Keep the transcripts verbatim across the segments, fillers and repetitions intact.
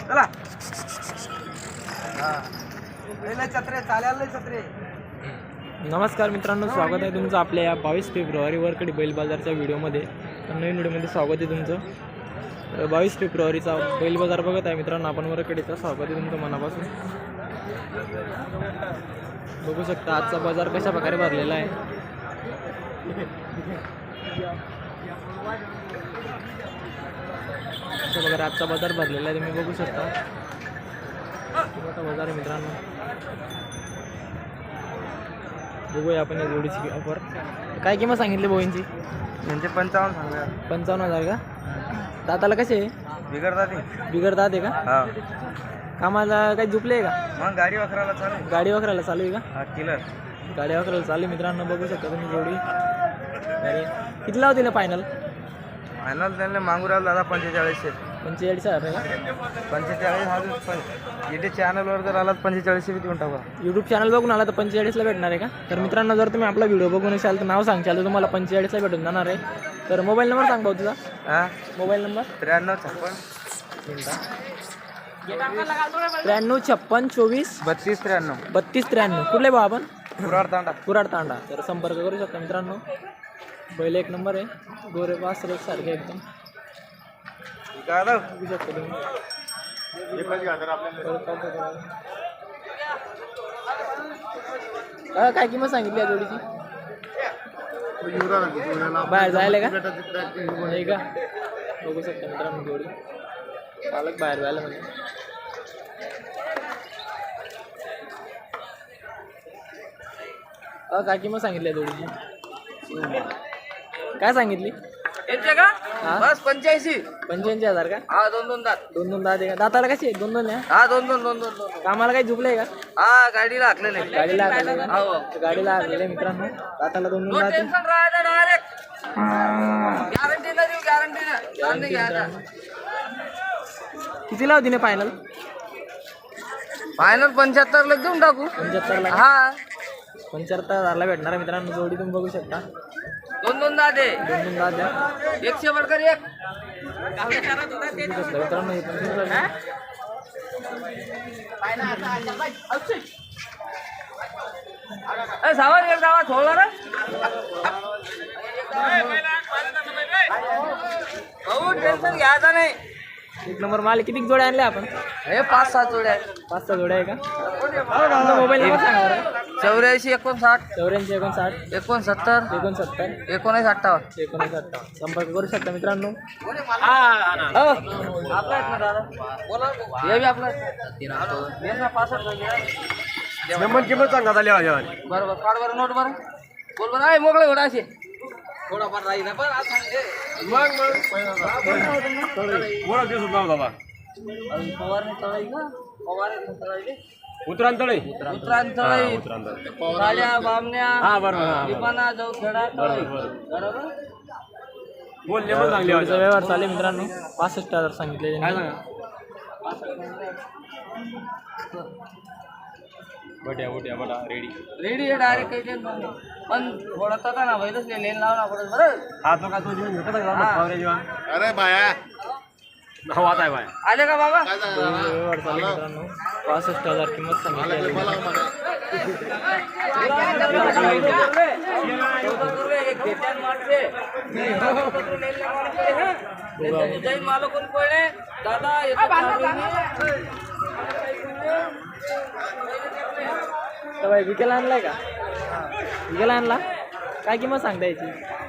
चला छत्रे चालेल छत्रे. नमस्कार मित्रांनो, स्वागत आहे तुमचं आपल्या या बावीस फेब्रुवारी वरकडी बैल बाजारच्या व्हिडिओमध्ये. नवीन व्हिडिओमध्ये स्वागत आहे तुमचं. बावीस फेब्रुवारीचा बैल बाजार बघत आहे मित्रांनो आपण वरकडीचा. स्वागत आहे तुमचं मनापासून. बघू शकता आजचा बाजार कशा प्रकारे भरलेला आहे. अशा प्रकारे आजचा बाजार भरलेला आहे, तुम्ही बघू शकता. मोठा बाजार आहे मित्रांनो. बघूया आपण या जोडीची ऑफर. काय किंमत सांगितली बोईंची? म्हणजे पंचावन्न सांगा. पंचावन्न हजार का? दाताला कसे आहे? बिघडतात बिघडतात आहे का? हा. कामाला काही झुपले आहे का? मग गाडी वखराला चालू. गाडी वखरायला चालू आहे का? हा किलर गाडी वखरायला चालू आहे मित्रांनो. बघू शकता तुम्ही जोडी. अरे किती लावते ना फायनल? फायनल त्यांना मागू राहिला दादा पंचेचाळीसशे. पंचेचाळीस हजार आहे का? पंचेचाळीस हा पण इथे चॅनलवर जर आलात पंचेचाळीसशे बी देऊन टाका. यूट्यूब चॅनल बघून आला तर पंचेचाळीसला भेटणार आहे का? तर मित्रांनो जर तुम्ही आपला व्हिडिओ बघून असाल तर नाव सांगशाल तर तुम्हाला पंचेचाळीसला भेटून जाणार आहे. तर मोबाईल नंबर सांग भाऊ तुझा. हां मोबाईल नंबर त्र्याण्णव छप्पन त्र्याण्णव छप्पन चोवीस बत्तीस त्र्याण्णव बत्तीस त्र्याण्णव. कुठले भाऊ आपण? कुराड तांडा. कुराड तांडा. तर संपर्क करू शकता मित्रांनो. बैल एक नंबर आहे. गोरे पास एक सारखे एकदम बघू शकता तुम्ही. काय किंमत सांगितली या जोडीची? बाहेर जायला का? नाही का? बघू शकता मित्रांनो जोडी. पालक बाहेर जायला म्हणजे अ काय किंमत सांगितली या जोडीची? काय सांगितली? का बस पंच्याऐंशी पंच्याऐंशी हजार का? हा दोन दोन दात. दोन दोन दात आहे का? दाताला कशी आहे? दोन दोन आहे. हा दोन दोन दोन दोन दोन. कामाला काही झुकलंय का? हा गाडीला हाकलेले. गाडीला हाकलेलं का? हो गाडीला हाकलेलं मित्रांनो. दाताला दोन दोन दात आहे. गॅरंटी ना देऊ गॅरंटी ना. किती लावती ना फायनल? फायनल पंच्याहत्तर ला देऊन टाकू. पंच्याहत्तर ला हा पंच्याहत्तर हजारला भेटणार आहे मित्रांनो जोडी. तुम्ही बघू शकता. दोन दोन दात आहे. दोन दोन दात द्या. एकशे बडकर एक. बघू शकता मित्रांनो हे पण किती लागले? सावर एक गावात ठेवला ना भाऊ. टेन्शन घ्यायचा नाही. एक नंबर माल. किती जोड्या आणल्या आपण? हे पाच सात जोड्या. पाच सहा जोड्या आहे का? मोबाईल नंबर सांगा बरं. चौऱ्याऐंशी एकोणसाठ चौऱ्याऐंशी एकोणसाठ एकोणसत्तर एकोणसत्तर एकोणीस अठ्ठावन्न एकोणीस अठ्ठावन्न. संपर्क करू शकता मित्रांनो. आपला आहेत ना दादा. हे बी आपला पासष्ट किंमत सांगा बरोबर. काढ बरं नोट बरं. बोल बरं आहे मोकळे घोडा असे थोडाफार राहील पण आज सांगते फवारणी तळाई का फवारणी तळाई उतरांतळे उतरांतळाई काळ्या बामण्या लिपाना जवखेडा बरोबर. जोडीचा व्यवहार चालेल मित्रांनो. पासष्ट हजार सांगितले. बट्या बट्या बटा रेडी रेडी आहे डायरेक्ट काही टेन्शन नाही. पण थोडा तसा ना बैलच लेन लावला पडत बरं. हा तो का तो जीवन घेतो का? अरे बाया हवात आहे बाय. आले का बाबा? व्यवहार चालेल मित्रांनो. पासष्ट हजार किंमत सांगितली. जैन मालो कोण पडले दादा तर बाई विकेला आणलाय का? विकेला आणला. काय किंमत सांगता याची?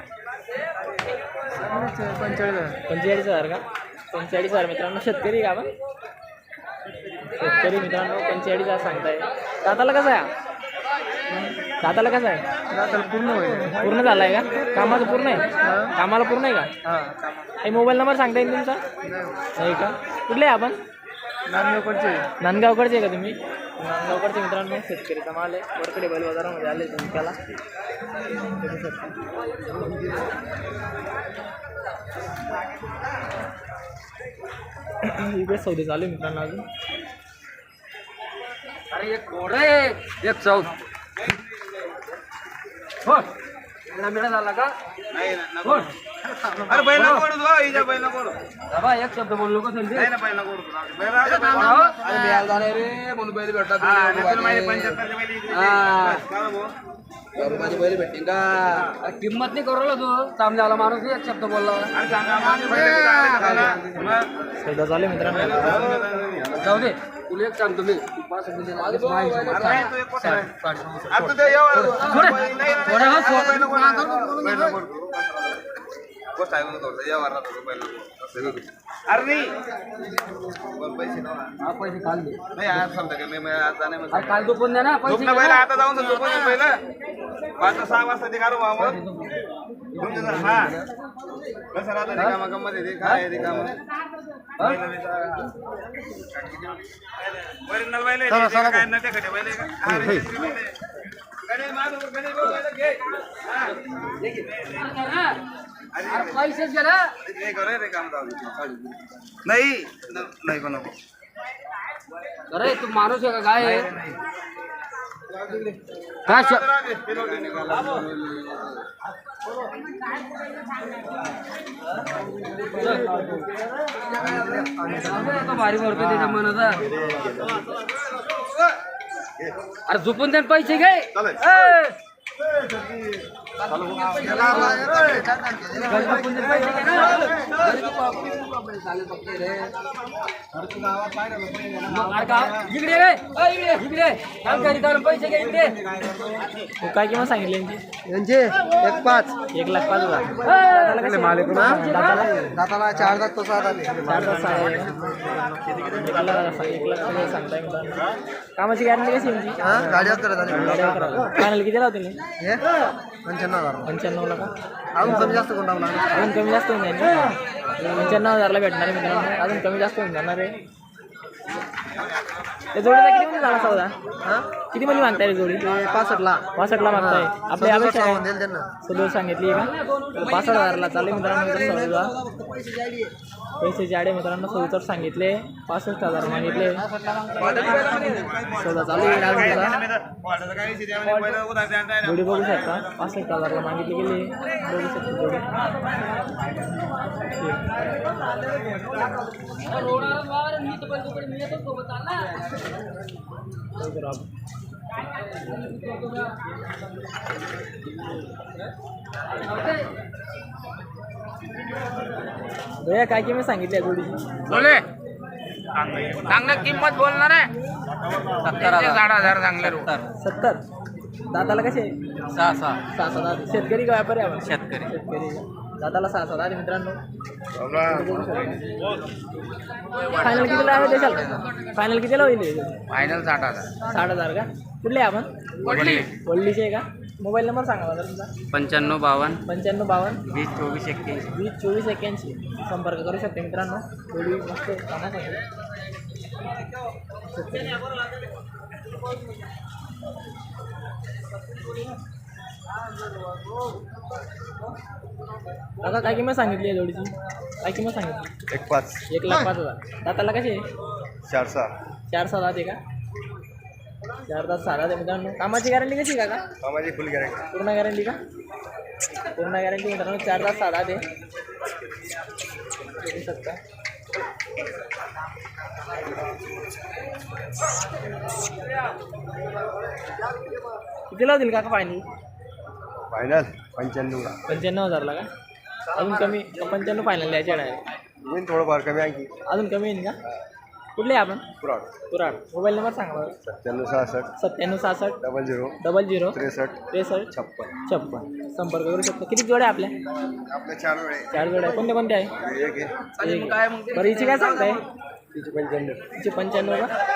पंचेचाळीस पंचेचाळीस हजार का? पंचेचाळीस हजार मित्रांनो. शेतकरी का आपण? शेतकरी मित्रांनो. पंचेचाळीस हजार सांगताय. दाताला कसं आहे? दाताला कसं आहे? दाताला पूर्ण होईल. पूर्ण झालाय का? कामाचं पूर्ण आहे? कामाला पूर्ण आहे का? हा काही मोबाईल नंबर सांगता येईल तुमचा? नाही का? कुठले आहे आपण? नांदगावकडचे. नांदगावकडचे आहे का तुम्ही? नांदगावकडचे मित्रांनो. शेतकरीचा माल आहे. वरकडे बैल बाजारामध्ये आले तुम्ही त्याला बघू शकता. इकडे सौदे चालू आहे मित्रांनो अजून. अरे एक घोडा आहे एक चौद हो मिळा झाला का? अरे बैल नको ओढू तू, हिच्या बैल नको ओढू. बाबा एक शब्द बोललो का समजे नाही ना बैल नको ओढू तू. बैल राहू दे. अरे मी आज जाणार रे म्हणून बैल भेटतात. हा तुला माहिती पंच्याहत्तरच्या बैल इकडे. हा काय भाऊ अरे माझी बैल भेटतील का? किंमत नाही करू तू चांगला माणूस एक शब्द बोलला. अरे सौदा झाले मित्रांनो. जाऊ दे तुला एक सांगतो मी पाच रुपये पैसे काल दे नाही आज समजा मी आज काल तू पण द्या ना पैसे आता जाऊन तू पण पहिलं पाच सहा वाजता ते काढू बाबा. हा कसं राहतं रिकामा गंमत आहे ते काय रिकामा ओरिजिनल बैल आहे काय नटे खटे बैल आहे का अरे गणे मारू गणे बैल घे हा अरे पैसेच घे ना हे करे रे काम जाऊ नाही नाही कोण नको अरे तू माणूस आहे का काय आहे काय भारी भरतो त्याच्या मनाचा. अरे झोपून त्याने पैसे घे पैसे घे. काय किंमत सांगितली यांचे एक पाच एक लाख पाच हजार. मालिक दाताला चार दात तो सात आले चार तास आहे. एक लाख सगळं सांगताय मित्रांनो. कामाची गॅरंटी कशी यांची? हा गाडी करत आली फायनल किती लावते हे पंच्याण्णव हजार पंच्याण्णवला का? अजून कमी जास्त कोण लावणार अजून कमी जास्त होऊन जाईल ना. पंच्याण्णव हजारला भेटणार आहे मित्रांनो. अजून कमी जास्त होऊन जाणार आहे. त्या जोडीचा किती मध्ये झाला सौदा? हा किती मध्ये मागताय जोडी? पासष्टला पासष्टला मागताय. आपल्या अपेक्षा आहे देईल त्यांना सदोष सांगितली का? पासष्ट हजारला चालेल मित्रांनो. सौदा पैसे जाडे मित्रांनो सौचर सांगितले. पासष्ट हजार मागितले. सौदा चालू आहे. जोडी बघू शकता. पासष्ट हजारला मागितली गेली. बघू शकता जोडी. भैया काय किंमत सांगितली जोडीची? बोले चांगलं किंमत बोलणार आहे सत्तर साठ हजार चांगले सत्तर. दाताला कसे? सहा सहा सहा सात दात. शेतकरी का व्यापारी आपण? शेतकरी शेतकरी दाताला सहा सात दात मित्रांनो. फायनल कितीला आहे देशाल? फायनल कितीला होईल? फायनल साठ हजार साठ हजार का? कुठले आहे आपण? वडली वल्लीचे आहे का? मोबाईल नंबर सांगा मला तुमचा. पंच्याण्णव बावन्न पंच्याण्णव बावन्न वीस चोवीस एक्क्याऐंशी वीस चोवीस एक्क्याऐंशी संपर्क करू शकते मित्रांनो. थोडी मस्त कामासाठी. दादा काय किंमत सांगितली आहे जोडीची? काय किंमत सांगितली? एक पाच एक लाख पाच हजार. दाताला कसे? चार सहा चार सहा दात आहे का? चार तास सहा दात आहे मित्रांनो. कामाची गॅरंटी कशी का? कामाची फुल गॅरंटी पूर्ण गॅरंटी का? पूर्ण गॅरंटी मित्रांनो. चार तास सहा दात आहे. बघू शकता. कितीला होतील काका फायनल? फायनल पंच्याण्णवला पंच्याण्णव हजारला का? अजून कमी? पंच्याण्णव फायनल द्यायचे आहे. होईल थोडंफार कमी आणखी अजून कमी येईल का? कुठले आहे आपण? कुराड कुराड. मोबाईल नंबर सांगा मला. सत्त्याण्णव सहासष्ट सत्त्याण्णव सहासष्ट डबल झिरो डबल झिरो त्रेसष्ट त्रेसष्ट छप्पन छप्पन संपर्क करू शकतो. किती जोड्या आपल्या? आपल्या चार वेळे चार जोड्या. कोणत्या कोणत्या आहे? एक आहे एक. बरं हिची काय सांगताय? तिची पंच्याण्णव हिची पंच्याण्णव का?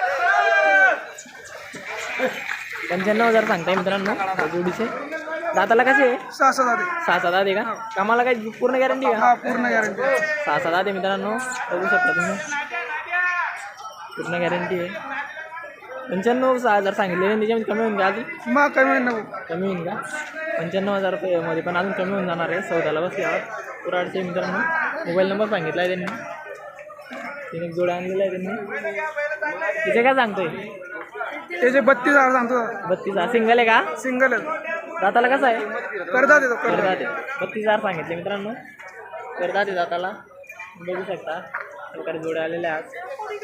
पंच्याण्णव हजार सांगताय मित्रांनो जोडीचे. दाताला कसे आहे? सहा सहा सहा सात आहे का? कामाला काय पूर्ण गॅरंटी का? पूर्ण गॅरंटी सहा सात आहे मित्रांनो. बघू शकता तुम्ही. पूर्ण गॅरंटी आहे. पंच्याण्णव सहा हजार सांगितले. त्याच्यामध्ये कमी होईल का अजून? मग कमी नको कमी होईल का? पंच्याण्णव हजार रुपयामध्ये पण अजून कमी होऊन जाणार आहे. चौदाला बसल्यावर. कुराडचे मित्रांनो. मोबाईल नंबर सांगितला आहे त्यांनी. तिने एक जोडा आणलेला आहे त्यांनी. तिचे काय सांगतोय? त्याचे बत्तीस हजार सांगतो. बत्तीस हजार. सिंगल आहे का? सिंगल दाताला कसं आहे? करता देतो करतात. बत्तीस हजार सांगितले मित्रांनो. करतात ते दाताला बघू शकता प्रकारे जोड्या आलेल्या आहेत.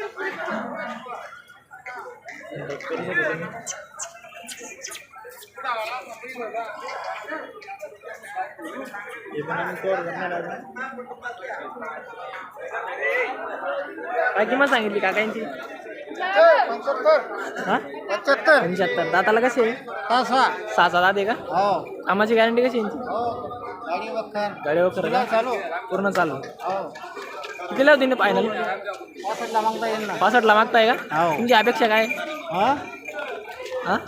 करू शकता तुम्ही. हे पण आम्ही कवर करणार आहे. काय किंमत सांगितली काकांची? हा पंच्याहत्तर. दाताला कसे आहे? सहा सहा दात आहे का? कामाची गॅरंटी कशी यांची? गाडी वखर का? पूर्ण चालू. कितीला होती फायनल? पासष्टला मागताय का? तुमची अपेक्षा काय? हा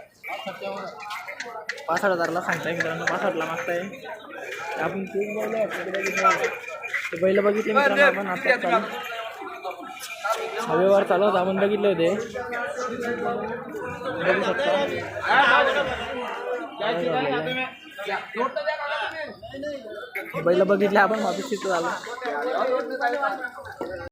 पासष्ट हजारला सांगताय मित्रांनो. पासष्टला मागताय. आपण तीन बैल आहेत. ते बैल बघितले मित्रांनो आपण आता चालू हवेवर चालू होता आपण बघितले होते. बघू शकता बैल बघितले आपण वापस तिथं झालं.